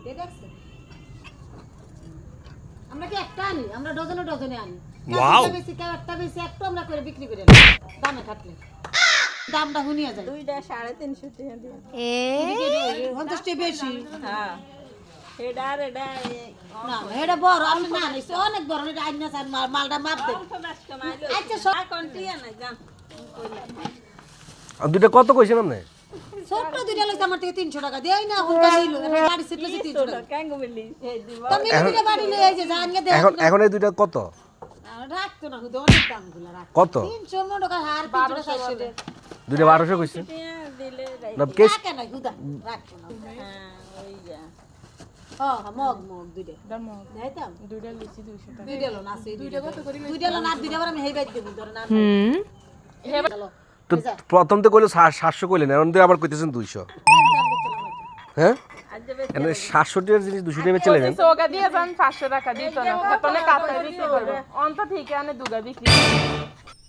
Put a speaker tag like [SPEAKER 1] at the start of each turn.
[SPEAKER 1] দেখছেন আমরা কি একটা আনি আমরা ডজনে ডজনে আনি
[SPEAKER 2] ওয়াও
[SPEAKER 1] বেশি কেউ একটা বেশি একটু আমরা করে বিক্রি করে দামে থাকলে দামটা হুনিয়া যায়
[SPEAKER 3] দুইটা 350 টাকা দিয়ে
[SPEAKER 1] এ 50 টাকা বেশি
[SPEAKER 3] হ্যাঁ এটা আর এটা
[SPEAKER 1] না এটা বড় আমি না নিছি অনেক বড় এটা আইনা চান মালটা মাপ দে
[SPEAKER 3] আচ্ছা সব কন্টিয়া না জান
[SPEAKER 2] আর দুইটা কত কইছেন আপনি
[SPEAKER 1] ছোট দুইটা লইছে আমার থেকে 300 টাকা দেই না হুনকা নিলো গাড়ি সিট লইছে 300 টাকা
[SPEAKER 3] কেঙ্গো বলি এই দিব
[SPEAKER 1] তুমি দুইটা বাড়ি লই এই যে জানিয়ে দে
[SPEAKER 2] এখন এই দুইটা কত
[SPEAKER 1] রাখতো না হুদে অনেক দাম গুলা রাখ
[SPEAKER 2] কত
[SPEAKER 1] 300 মন টাকা হার 300 400 টাকা
[SPEAKER 2] দুইটা 1200 কইছেন
[SPEAKER 3] দিলে
[SPEAKER 2] না কেস
[SPEAKER 1] রাখে না হুদা রাখতো না
[SPEAKER 3] হ্যাঁ ওই যা
[SPEAKER 1] হ্যাঁ মগ মগ দুইটা দেখাইতাম
[SPEAKER 3] দুইটা লিচি 200 টাকা
[SPEAKER 1] দুইটা লোন আছে দুইটা কত করি দুইটা লোন আর দুইটা বার আমি হেই বাইতে দেব ধরে না
[SPEAKER 2] তো প্রথম তো কইলো 700 কইলেন এখন তো আবার কইতেছেন 200 হ্যাঁ
[SPEAKER 3] আজ যাবে
[SPEAKER 2] এনে 700 টাকার জিনিস 200 টাকা চলে যাবে
[SPEAKER 4] সোগা দিয়ে যান 500 টাকা দিত না ততনে কাটা বিক্রি করব অন্ত ঠিক আনে দুগা বিক্রি